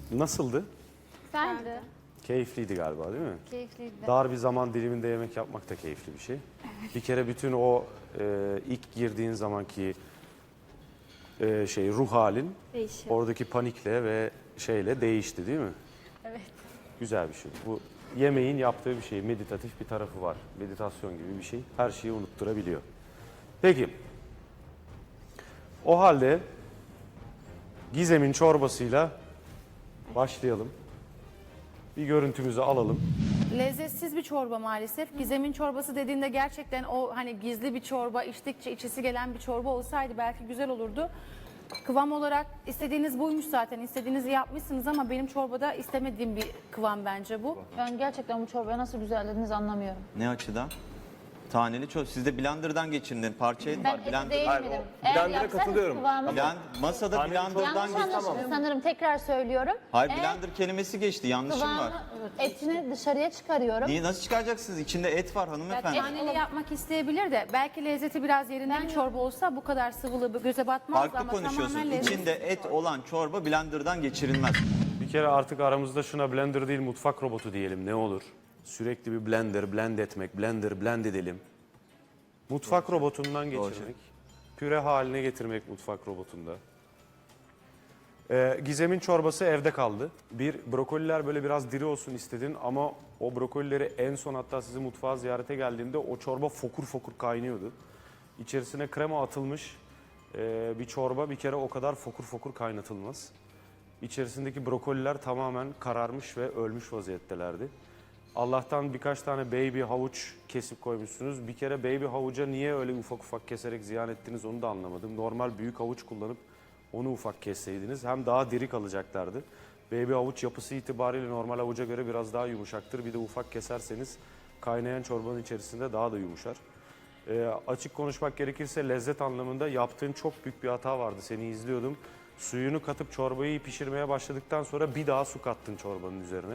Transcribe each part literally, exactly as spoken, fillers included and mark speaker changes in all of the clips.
Speaker 1: Nasıldı?
Speaker 2: Güzeldi.
Speaker 1: Keyifliydi galiba değil mi?
Speaker 2: Keyifliydi.
Speaker 1: Dar bir zaman diliminde yemek yapmak da keyifli bir şey. Bir kere bütün o e, ilk girdiğin zamanki e, şey ruh halin
Speaker 2: Değişiyor.
Speaker 1: oradaki panikle ve şeyle değişti değil mi?
Speaker 2: Evet.
Speaker 1: Güzel bir şey. Bu yemeğin yaptığı bir şey. Meditatif bir tarafı var. Meditasyon gibi bir şey. Her şeyi unutturabiliyor. Peki. O halde Gizem'in çorbasıyla başlayalım. Bir görüntümüzü alalım.
Speaker 3: Lezzetsiz bir çorba maalesef. Gizem'in çorbası dediğinde gerçekten o hani gizli bir çorba, içtikçe içisi gelen bir çorba olsaydı belki güzel olurdu. Kıvam olarak istediğiniz buymuş zaten. İstediğinizi yapmışsınız ama benim çorbada istemediğim bir kıvam bence bu.
Speaker 4: Ben gerçekten bu çorbaya nasıl güzellediniz anlamıyorum.
Speaker 5: Ne açıdan? Taneli çorba. Sizde blenderdan geçirdin. Parça et
Speaker 4: Ben
Speaker 5: var.
Speaker 4: eti
Speaker 5: Blender-
Speaker 4: değinmedim.
Speaker 6: Hayır, o
Speaker 4: Eğer
Speaker 6: blender'a
Speaker 4: yapsanız
Speaker 6: katılıyorum.
Speaker 4: kıvamı...
Speaker 5: Blend, masada blenderdan
Speaker 4: Yanlış
Speaker 5: geçti.
Speaker 4: anlaşıldı sanırım. Tekrar söylüyorum.
Speaker 5: Hayır,
Speaker 4: Eğer
Speaker 5: blender kelimesi geçti. Yanlışım var.
Speaker 4: kıvamı, etini dışarıya çıkarıyorum.
Speaker 5: Niye, nasıl çıkaracaksınız? İçinde et var hanımefendi.
Speaker 3: Taneli yapmak isteyebilir de belki lezzeti biraz yerinde bir çorba olsa bu kadar sıvılı göze batmazdı
Speaker 5: Farklı
Speaker 3: ama
Speaker 5: konuşuyorsun.
Speaker 3: tamamen lezzet.
Speaker 5: İçinde et olan çorba blenderdan geçirilmez.
Speaker 1: Bir kere artık aramızda şuna blender değil mutfak robotu diyelim ne olur. Sürekli bir blender, blend etmek, blender, blend edelim. Mutfak robotundan geçirmek, püre haline getirmek mutfak robotunda. Ee, Gizem'in çorbası evde kaldı. Bir, brokoliler böyle biraz diri olsun istedin ama o brokolileri en son hatta sizi mutfağa ziyarete geldiğimde o çorba fokur fokur kaynıyordu. İçerisine krema atılmış e, bir çorba bir kere o kadar fokur fokur kaynatılmaz. İçerisindeki brokoliler tamamen kararmış ve ölmüş vaziyettelerdi. Allah'tan birkaç tane baby havuç kesip koymuşsunuz. Bir kere baby havuca niye öyle ufak ufak keserek ziyan ettiniz onu da anlamadım. Normal büyük havuç kullanıp onu ufak kesseydiniz hem daha diri kalacaklardı. Baby havuç yapısı itibariyle normal havuca göre biraz daha yumuşaktır. Bir de ufak keserseniz kaynayan çorbanın içerisinde daha da yumuşar. Ee, açık konuşmak gerekirse lezzet anlamında yaptığın çok büyük bir hata vardı. Seni izliyordum. Suyunu katıp çorbayı pişirmeye başladıktan sonra bir daha su kattın çorbanın üzerine.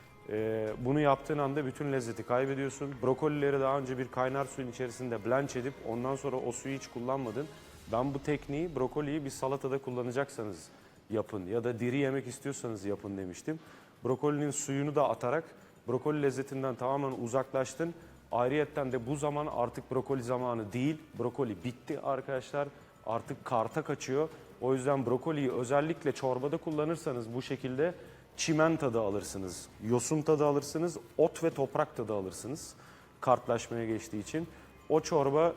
Speaker 1: Ee, bunu yaptığın anda bütün lezzeti kaybediyorsun. Brokolileri daha önce bir kaynar suyun içerisinde blanch edip ondan sonra o suyu hiç kullanmadın. Ben bu tekniği brokoliyi bir salatada kullanacaksanız yapın ya da diri yemek istiyorsanız yapın demiştim. Brokolinin suyunu da atarak brokoli lezzetinden tamamen uzaklaştın. Ayrıyetten de bu zaman artık brokoli zamanı değil. Brokoli bitti arkadaşlar. Artık karta kaçıyor. O yüzden brokoliyi özellikle çorbada kullanırsanız bu şekilde çimen tadı alırsınız, yosun tadı alırsınız, ot ve toprak tadı alırsınız kartlaşmaya geçtiği için. O çorba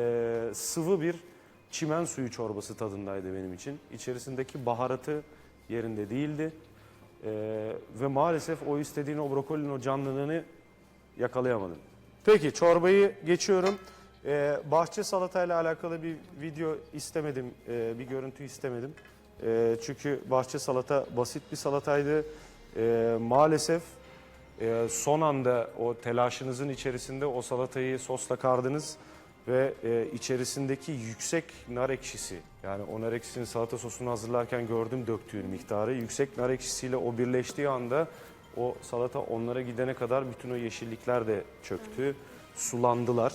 Speaker 1: e, sıvı bir çimen suyu çorbası tadındaydı benim için. İçerisindeki baharatı yerinde değildi. E, ve maalesef o istediğin o brokolinin o canlılığını yakalayamadım. Peki çorbayı geçiyorum. E, bahçe salatayla alakalı bir video istemedim, e, bir görüntü istemedim. E, çünkü bahçe salata basit bir salataydı. E, maalesef e, son anda o telaşınızın içerisinde o salatayı sosla kardınız ve e, içerisindeki yüksek nar ekşisi, yani o nar ekşisinin salata sosunu hazırlarken gördüm döktüğün miktarı. Yüksek nar ekşisiyle o birleştiği anda o salata onlara gidene kadar bütün o yeşillikler de çöktü, sulandılar.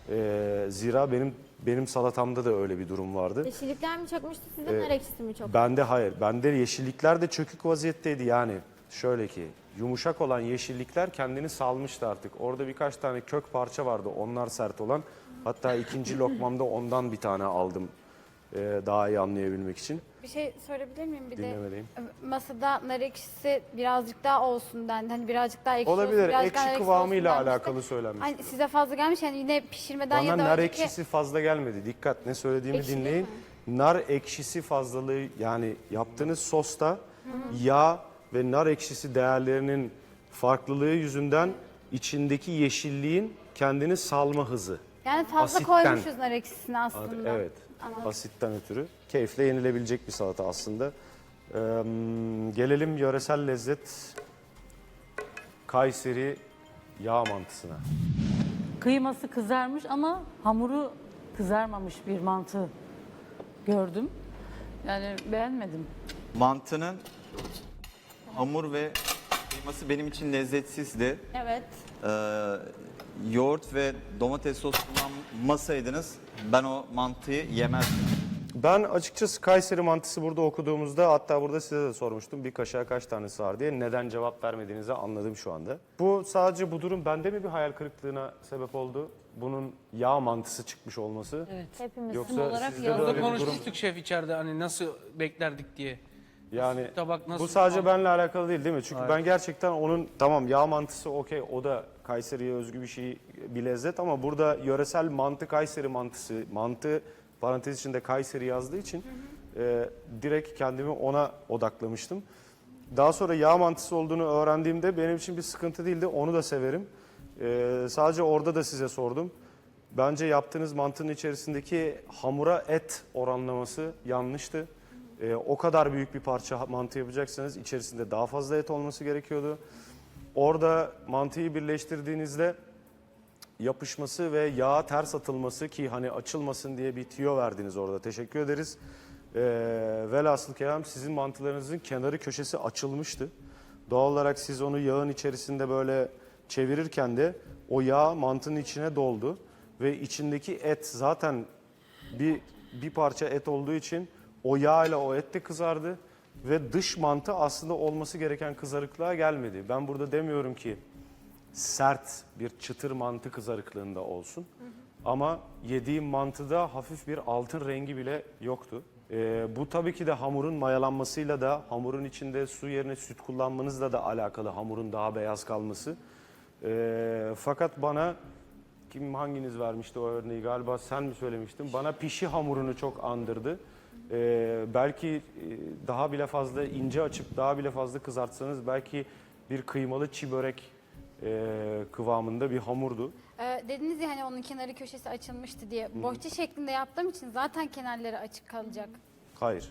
Speaker 1: E, zira benim benim salatamda da öyle bir durum vardı.
Speaker 2: Yeşillikler mi çökmüştü sizin,
Speaker 1: Ee,
Speaker 2: nar ekşisi mi çok?
Speaker 1: Bende hayır. Bende yeşillikler de çökük vaziyetteydi yani. Şöyle ki yumuşak olan yeşillikler kendini salmıştı artık. Orada birkaç tane kök parça vardı. Onlar sert olan. Hatta ikinci lokmamda ondan bir tane aldım. Ee, daha iyi anlayabilmek için.
Speaker 2: Bir şey sorabilir miyim? Bir
Speaker 1: Dinlemedeyim.
Speaker 2: de masada nar ekşisi birazcık daha olsun dendi. Hani birazcık daha ekşi olsun.
Speaker 1: Olabilir.
Speaker 2: birazcık daha nar
Speaker 1: Ekşi
Speaker 2: ekşi olsun
Speaker 1: kıvamıyla
Speaker 2: denmişti.
Speaker 1: alakalı söylenmiş.
Speaker 2: Hani size fazla gelmiş yani yine pişirmeden ya
Speaker 1: Bana
Speaker 2: da
Speaker 1: nar
Speaker 2: önceki...
Speaker 1: ekşisi fazla gelmedi. Dikkat, ne söylediğimi
Speaker 2: Ekşi değil
Speaker 1: dinleyin. Nar ekşisi fazlalığı, yani yaptığınız sosta yağ ve nar ekşisi değerlerinin farklılığı yüzünden içindeki yeşilliğin kendini salma hızı.
Speaker 2: Yani fazla
Speaker 1: asitten.
Speaker 2: koymuşuz nar ekşisini aslında.
Speaker 1: Evet. Asitten ötürü. Keyifle yenilebilecek bir salata aslında. Ee, gelelim yöresel lezzet Kayseri yağ mantısına.
Speaker 7: Kıyması kızarmış ama hamuru kızarmamış bir mantı gördüm. Yani beğenmedim.
Speaker 5: Mantının hamur ve kıyması benim için lezzetsizdi.
Speaker 2: Evet.
Speaker 5: Ee, yoğurt ve domates sos kullanmasaydınız ben o mantıyı yemezdim.
Speaker 1: Ben açıkçası Kayseri mantısı burada okuduğumuzda, hatta burada size de sormuştum bir kaşığa kaç tanesi var diye, neden cevap vermediğinizi anladım şu anda. Bu sadece bu durum bende mi bir hayal kırıklığına sebep oldu? Bunun yağ mantısı çıkmış olması.
Speaker 4: Hepimiz.
Speaker 1: Yoksa
Speaker 7: olarak
Speaker 1: sizde de
Speaker 7: yazdı.
Speaker 1: öyle
Speaker 6: Burada
Speaker 1: bir durum.
Speaker 6: konuşmuştuk şef içeride hani nasıl beklerdik diye.
Speaker 1: Yani
Speaker 6: Tabak nasıl?
Speaker 1: bu sadece benimle alakalı değil değil mi? Çünkü ben gerçekten onun tamam yağ mantısı okey, o da Kayseri'ye özgü bir şey, bir lezzet, ama burada yöresel mantı Kayseri mantısı, mantı parantez içinde Kayseri yazdığı için e, direkt kendimi ona odaklamıştım. Daha sonra yağ mantısı olduğunu öğrendiğimde benim için bir sıkıntı değildi, onu da severim. E, sadece orada da size sordum. Bence yaptığınız mantının içerisindeki hamura et oranlaması yanlıştı. Ee, o kadar büyük bir parça mantı yapacaksanız içerisinde daha fazla et olması gerekiyordu. Orada mantıyı birleştirdiğinizde yapışması ve yağa ters atılması, ki hani açılmasın diye bir tüyo verdiniz orada. Teşekkür ederiz. Ee, velhasıl kelam sizin mantılarınızın kenarı köşesi açılmıştı. Doğal olarak siz onu yağın içerisinde böyle çevirirken de o yağ mantının içine doldu. Ve içindeki et zaten bir, bir parça et olduğu için o yağ ile o et de kızardı. Ve dış mantı aslında olması gereken kızarıklığa gelmedi. Ben burada demiyorum ki sert bir çıtır mantı kızarıklığında olsun. Hı hı. Ama yediğim mantıda hafif bir altın rengi bile yoktu. Ee, bu tabii ki de hamurun mayalanmasıyla da, hamurun içinde su yerine süt kullanmanızla da alakalı, hamurun daha beyaz kalması. Ee, fakat bana, kim hanginiz vermişti o örneği, galiba sen mi söylemiştin? Bana pişi hamurunu çok andırdı. Ee, belki e, daha bile fazla ince açıp daha bile fazla kızartsanız belki bir kıymalı çiğ börek e, kıvamında bir hamurdu.
Speaker 2: Ee, dediniz ya hani onun kenarı köşesi açılmıştı diye. Bohça şeklinde yaptığım için zaten kenarları açık kalacak.
Speaker 1: Hayır.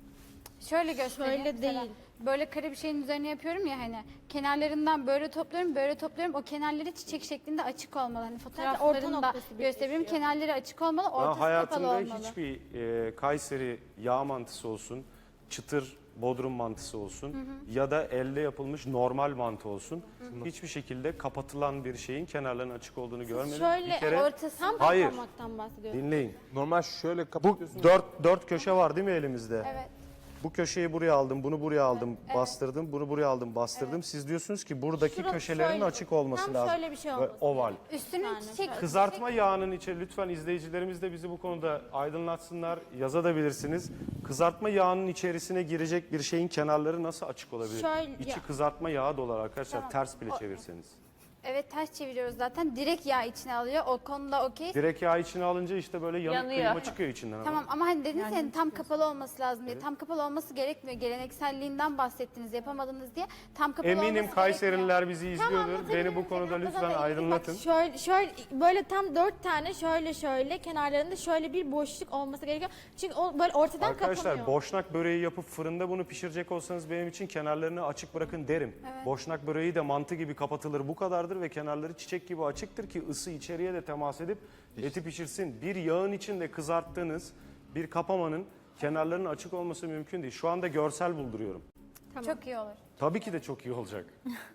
Speaker 2: Şöyle göstereyim.
Speaker 8: Şöyle
Speaker 2: Mesela
Speaker 8: değil.
Speaker 2: Böyle kare bir şeyin üzerine yapıyorum ya hani. Kenarlarından böyle topluyorum, böyle topluyorum. O kenarları çiçek şeklinde açık olmalı. Hani fotoğraflarını da
Speaker 8: noktası
Speaker 2: gösterebilirim.
Speaker 8: birleşiyor.
Speaker 2: Kenarları açık olmalı,
Speaker 1: Ben
Speaker 2: ortası kapalı
Speaker 1: hayatımda
Speaker 2: olmalı.
Speaker 1: hiçbir e, Kayseri yağ mantısı olsun, çıtır Bodrum mantısı olsun ya da elde yapılmış normal mantı olsun, hiçbir şekilde kapatılan bir şeyin kenarlarının açık olduğunu görmedim.
Speaker 8: Şöyle
Speaker 1: bir kere
Speaker 2: ortası
Speaker 8: tam
Speaker 1: hayır.
Speaker 8: parmaktan bahsediyorum.
Speaker 1: Dinleyin.
Speaker 9: Normal şöyle
Speaker 1: Bu
Speaker 9: kapatıyorsun.
Speaker 1: dört, dört köşe var değil mi elimizde?
Speaker 2: Evet.
Speaker 1: Bu köşeyi buraya aldım, bunu buraya aldım, bastırdım, bunu buraya aldım, bastırdım. Siz diyorsunuz ki buradaki
Speaker 8: Şurası
Speaker 1: köşelerin
Speaker 8: şöyle-
Speaker 1: açık olması
Speaker 8: tam
Speaker 1: lazım.
Speaker 8: şöyle bir şey
Speaker 1: Ve
Speaker 8: olması
Speaker 1: oval.
Speaker 2: Üstünün
Speaker 8: Yani
Speaker 2: çiçek,
Speaker 1: Kızartma yağının içi, lütfen izleyicilerimiz de bizi bu konuda aydınlatsınlar, yazabilirsiniz. Kızartma yağının içerisine girecek bir şeyin kenarları nasıl açık olabilir?
Speaker 8: Şöyle-
Speaker 1: İçi
Speaker 8: ya-
Speaker 1: kızartma yağı dolar arkadaşlar, ters bile çevirseniz.
Speaker 2: Evet, ters çeviriyoruz zaten. Direkt yağ içine alıyor. O konuda okey.
Speaker 1: Direkt yağ içine alınca işte böyle yanık
Speaker 7: Yanıyor.
Speaker 1: kıyma çıkıyor içinden. ama.
Speaker 2: Tamam ama hani dediniz ya hani tam kapalı olması lazım diye. Tam kapalı olması gerekmiyor. Gelenekselliğinden bahsettiniz, yapamadınız diye. Tam kapalı
Speaker 1: Eminim
Speaker 2: olması gerekmiyor.
Speaker 1: Kayseriler bizi izliyordur.
Speaker 8: anlatabilirim
Speaker 1: Beni bu
Speaker 8: seni.
Speaker 1: konuda
Speaker 8: Hatta
Speaker 1: lütfen
Speaker 8: zaten
Speaker 1: aydınlatın.
Speaker 8: Bak şöyle, şöyle böyle tam dört tane şöyle şöyle kenarlarında şöyle bir boşluk olması gerekiyor. Çünkü o böyle ortadan
Speaker 1: Arkadaşlar
Speaker 8: kapanıyor.
Speaker 1: boşnak böreği yapıp fırında bunu pişirecek olsanız benim için kenarlarını açık bırakın derim. Boşnak böreği de mantı gibi kapatılır, bu kadardır ve kenarları çiçek gibi açıktır ki ısı içeriye de temas edip eti pişirsin. Bir yağın içinde kızarttığınız bir kapamanın kenarlarının açık olması mümkün değil. Şu anda görsel bulduruyorum.
Speaker 2: Çok iyi olur.
Speaker 1: Tabii ki de çok iyi olacak.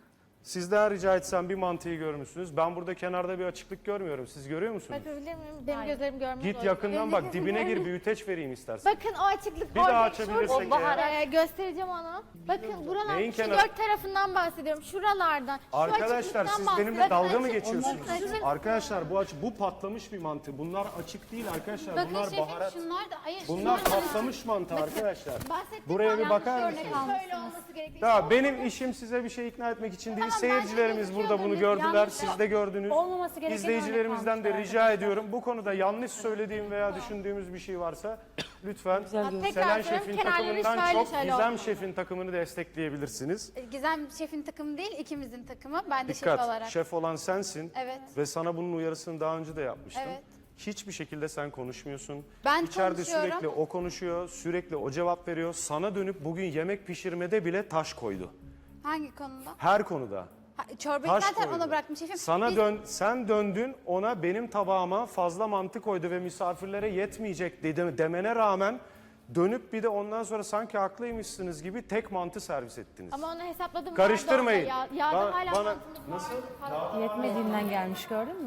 Speaker 1: Sizden rica etsem, bir mantıyı görmüşsünüz. Ben burada kenarda bir açıklık görmüyorum. Siz görüyor musunuz?
Speaker 8: Bakabilir miyim? Benim gözlerim görmez.
Speaker 1: Git
Speaker 8: o
Speaker 1: yakından bak, dibine gir, büyüteç vereyim istersen.
Speaker 8: Bakın o açıklık
Speaker 1: Bir
Speaker 8: orada.
Speaker 1: daha
Speaker 8: Şurada-
Speaker 1: açabilirsek
Speaker 8: O bahar-
Speaker 1: eğer.
Speaker 8: Ee, göstereceğim onu. Bakın buralar
Speaker 1: Neyin
Speaker 8: şu
Speaker 1: kenarı?
Speaker 8: dört tarafından bahsediyorum. Şuralardan. Şu
Speaker 1: Arkadaşlar
Speaker 8: açıklıktan
Speaker 1: siz
Speaker 8: bahsediyorum.
Speaker 1: benimle dalga mı
Speaker 8: Bakın,
Speaker 1: geçiyorsunuz?
Speaker 8: Bakın,
Speaker 1: Arkadaşlar bu aç bu patlamış bir mantı. Bunlar açık değil arkadaşlar.
Speaker 2: Bakın
Speaker 1: Bunlar
Speaker 2: şefim
Speaker 1: baharat.
Speaker 2: şunlar da hayır.
Speaker 1: Bunlar
Speaker 2: şunlar da-
Speaker 1: patlamış mantı arkadaşlar.
Speaker 8: bahsettiğim
Speaker 1: Buraya bir
Speaker 8: yanlış
Speaker 1: bakar
Speaker 8: örnek
Speaker 1: mısınız?
Speaker 8: almışsınız. Şöyle olması gerekiyor.
Speaker 1: Ya benim işim size bir şey ikna etmek için değil. Seyircilerimiz burada bunu gördüler. Siz de gördünüz.
Speaker 8: Olmaması gereken
Speaker 1: İzleyicilerimizden de
Speaker 8: örnek
Speaker 1: rica ediyorum. Bu konuda yanlış söylediğim veya düşündüğümüz bir şey varsa lütfen
Speaker 8: Tekrar
Speaker 1: Selen
Speaker 8: söylüyorum,
Speaker 1: Şef'in
Speaker 8: kenarları
Speaker 1: takımından
Speaker 8: şöyle
Speaker 1: çok
Speaker 8: şöyle
Speaker 1: Gizem
Speaker 8: olmalı.
Speaker 1: Şef'in takımını destekleyebilirsiniz.
Speaker 2: Gizem şefin takımı değil, ikimizin takımı. Ben de şef
Speaker 1: Dikkat,
Speaker 2: olarak.
Speaker 1: şef olan sensin.
Speaker 2: Evet.
Speaker 1: Ve sana bunun uyarısını daha önce de yapmıştım.
Speaker 2: Evet.
Speaker 1: Hiçbir şekilde sen konuşmuyorsun.
Speaker 2: Ben
Speaker 1: İçeride
Speaker 2: konuşuyorum.
Speaker 1: sürekli o konuşuyor, sürekli o cevap veriyor. Sana dönüp bugün yemek pişirmede bile taş koydu.
Speaker 2: Hangi konuda?
Speaker 1: Her konuda.
Speaker 2: Ha, çorbayı
Speaker 1: Taş
Speaker 2: zaten
Speaker 1: koydu.
Speaker 2: ona bıraktım şefim.
Speaker 1: Sana
Speaker 2: Biz-
Speaker 1: dön, sen döndün ona benim tabağıma fazla mantı koydu ve misafirlere yetmeyecek dedi, demene rağmen dönüp bir de ondan sonra sanki haklıymışsınız gibi tek mantı servis ettiniz.
Speaker 8: Ama onu hesapladım.
Speaker 1: Karıştırmayın.
Speaker 8: Ya, yağda
Speaker 1: Ba-
Speaker 8: hala
Speaker 1: bana
Speaker 8: mantının
Speaker 1: nasıl?
Speaker 10: Yetmediğinden gelmiş, gördün mü?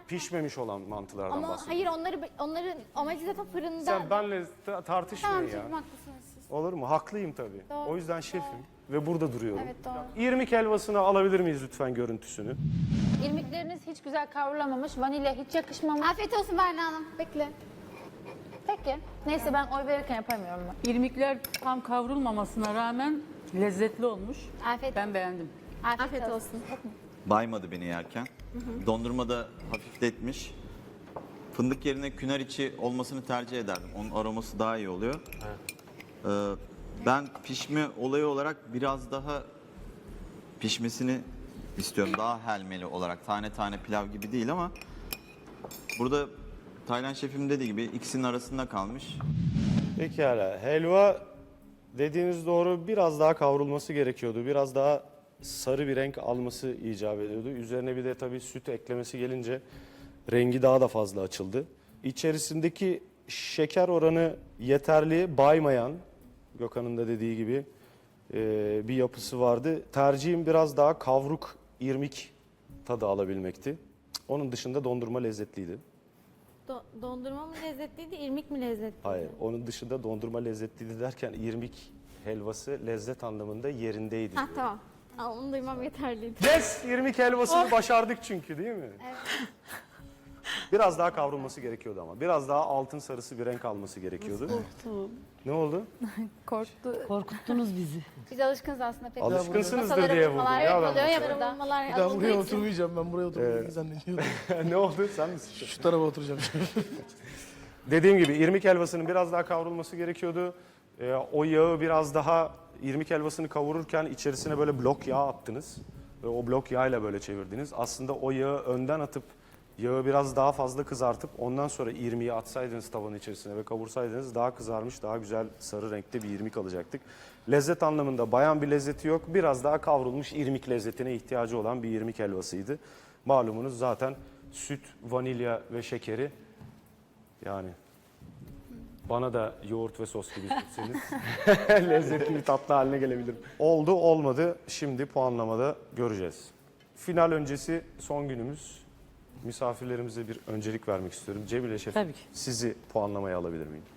Speaker 1: pişmemiş olan mantılardan
Speaker 8: Ama
Speaker 1: bahsediyorum.
Speaker 8: hayır onları onların amacı zaten fırında.
Speaker 1: Sen benle ta- tartışmayın
Speaker 2: Tamam
Speaker 1: ya.
Speaker 2: şefim haklısınız siz.
Speaker 1: Olur mu? Haklıyım tabii.
Speaker 2: Doğru,
Speaker 1: O yüzden şefim ve burada duruyorum.
Speaker 2: Evet doğru.
Speaker 1: İrmik helvasını alabilir miyiz lütfen görüntüsünü?
Speaker 4: İrmikleriniz hiç güzel kavrulamamış. Vanilya hiç yakışmamış.
Speaker 2: Afiyet olsun Berna Hanım. Bekle.
Speaker 4: Peki. Neyse ben oy verirken yapamıyorum ben.
Speaker 7: İrmikler tam kavrulmamasına rağmen lezzetli olmuş.
Speaker 2: Afiyet,
Speaker 7: Ben beğendim.
Speaker 2: afiyet,
Speaker 8: Afiyet
Speaker 2: olsun.
Speaker 8: olsun.
Speaker 5: Baymadı beni yerken. Dondurma da hafifletmiş. Fındık yerine künar içi olmasını tercih ederdim. Onun aroması daha iyi oluyor. Ee, ben pişme olayı olarak biraz daha pişmesini istiyorum. Daha helmeli olarak. Tane tane pilav gibi değil ama burada Taylan şefim dediği gibi ikisinin arasında kalmış.
Speaker 1: Pekala. Helva dediğiniz doğru, biraz daha kavrulması gerekiyordu. Biraz daha sarı bir renk alması icap ediyordu. Üzerine bir de tabii süt eklemesi gelince rengi daha da fazla açıldı. İçerisindeki şeker oranı yeterli, baymayan, Gökhan'ın da dediği gibi e, bir yapısı vardı. Tercihim biraz daha kavruk, irmik tadı alabilmekti. Onun dışında dondurma lezzetliydi.
Speaker 8: Do- dondurma mı lezzetliydi, irmik mi lezzetliydi?
Speaker 1: Hayır, onun dışında dondurma lezzetliydi derken irmik helvası lezzet anlamında yerindeydi.
Speaker 8: Ha tamam. Aa, onu duymam yeterliydi.
Speaker 1: Yes, irmik helvasını başardık çünkü değil mi? Evet. Biraz daha kavrulması gerekiyordu ama. Biraz daha altın sarısı bir renk alması gerekiyordu. Ne oldu?
Speaker 7: Korkuttunuz bizi.
Speaker 2: Biz alışkınız aslında pek.
Speaker 1: Alışkınsınızdır
Speaker 2: Masalara
Speaker 1: diye buldum
Speaker 2: vurmalar
Speaker 1: ya ben.
Speaker 2: yapılıyor ya
Speaker 8: Böyle
Speaker 2: burada.
Speaker 8: vurmalar
Speaker 9: Ben
Speaker 8: alındığı
Speaker 9: buraya
Speaker 8: için.
Speaker 9: oturmayacağım. Ben buraya oturmayacağım zannediyordum.
Speaker 1: Ne oldu? Sen misin?
Speaker 9: Şu tarafa oturacağım.
Speaker 1: Dediğim gibi irmik helvasının biraz daha kavrulması gerekiyordu. Ee, o yağı biraz daha irmik helvasını kavururken içerisine böyle blok yağ attınız. Ve o blok yağıyla böyle çevirdiniz. Aslında o yağı önden atıp yağı biraz daha fazla kızartıp ondan sonra irmiği atsaydınız tavanın içerisine ve kavursaydınız daha kızarmış, daha güzel sarı renkte bir irmik alacaktık. Lezzet anlamında bayan bir lezzeti yok. Biraz daha kavrulmuş irmik lezzetine ihtiyacı olan bir irmik helvasıydı. Malumunuz zaten süt, vanilya ve şekeri, yani bana da yoğurt ve sos gibi sürseniz lezzetli bir tatlı haline gelebilirim. Oldu olmadı, şimdi puanlamada göreceğiz. Final öncesi son günümüz. Misafirlerimize bir öncelik vermek istiyorum. Cemile Şef,
Speaker 7: Tabii ki.
Speaker 1: sizi puanlamaya alabilir miyim?